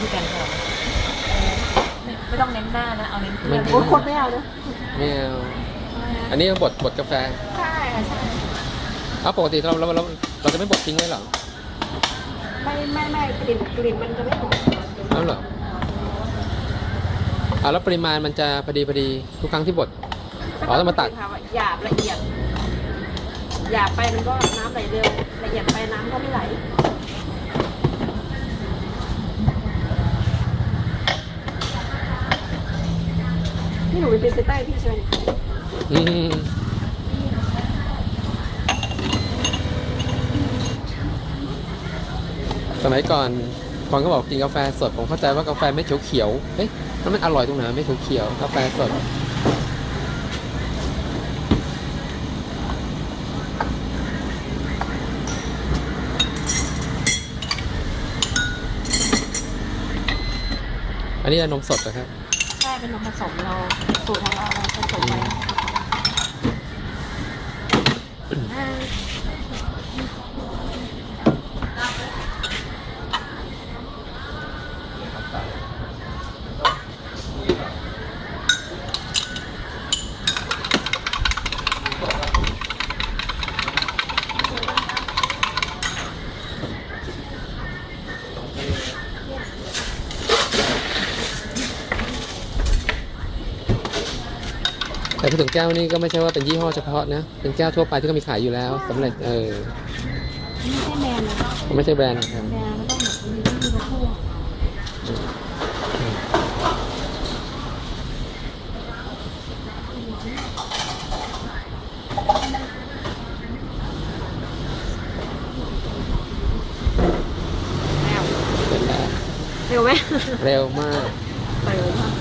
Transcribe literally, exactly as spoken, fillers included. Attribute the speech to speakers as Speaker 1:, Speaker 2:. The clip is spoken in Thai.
Speaker 1: พี่แกนพอไม่ไม่ต้องเน้นหน้านะเอาเน้นเครื่อง
Speaker 2: โอ้คนไม่เอานะ
Speaker 3: ไม่เอาอันนี้บดบดกาแฟ
Speaker 2: ใช่ใช่
Speaker 3: อ้าวปกติเราเราเราเราจะไม่บดทิ้งไว้เหรอ
Speaker 2: ไม่ไม่ไม่กลิ่นกลิ่นมันจะไม่หอม
Speaker 3: อ้าวเหรออ่าแล้วปริมาณมันจะพอดีพอดีทุกครั้งที่บด อ๋อต้องมาตัด
Speaker 2: ค่ะหยาบละเอียดหยาบไปมันก็น้ำไหลเร็วละเอียดไปน้ำก็ไม่ไหลนี่หนูเป็นพรีเซนเตอร์ให้พี่ใช่ไหม
Speaker 3: อืมสมัยก่อนก่อนก็บอกกินกาแฟสดผมเข้าใจว่ากาแฟไม่เขียวๆเฮ้ยแล้วมันอร่อยตรงไหนไม่เขียวๆกาแฟสดอันนี้นมสดนะครับ
Speaker 2: ใช่เป็นนมผสมเราสูตรของเราเราผสมไว้อ่า
Speaker 3: แต่พูดถึงแก้วนี่ก็ไม่ใช่ว่าเป็นยี่ห้อเฉพาะนะเป็นแก้วทั่วไปที่ก็มีขายอยู่แล้วสำเร็จเออ
Speaker 2: ไม่ใช่แบรนด์นะ
Speaker 3: ไม่ใช่แบรนด์นะครับ
Speaker 2: แบรนด์มันต้องแบบมีที่มาพูดแล้ว
Speaker 3: เสร็จแล้ว
Speaker 2: เร็วไหม
Speaker 3: เร็วมาก
Speaker 2: เร็วมาก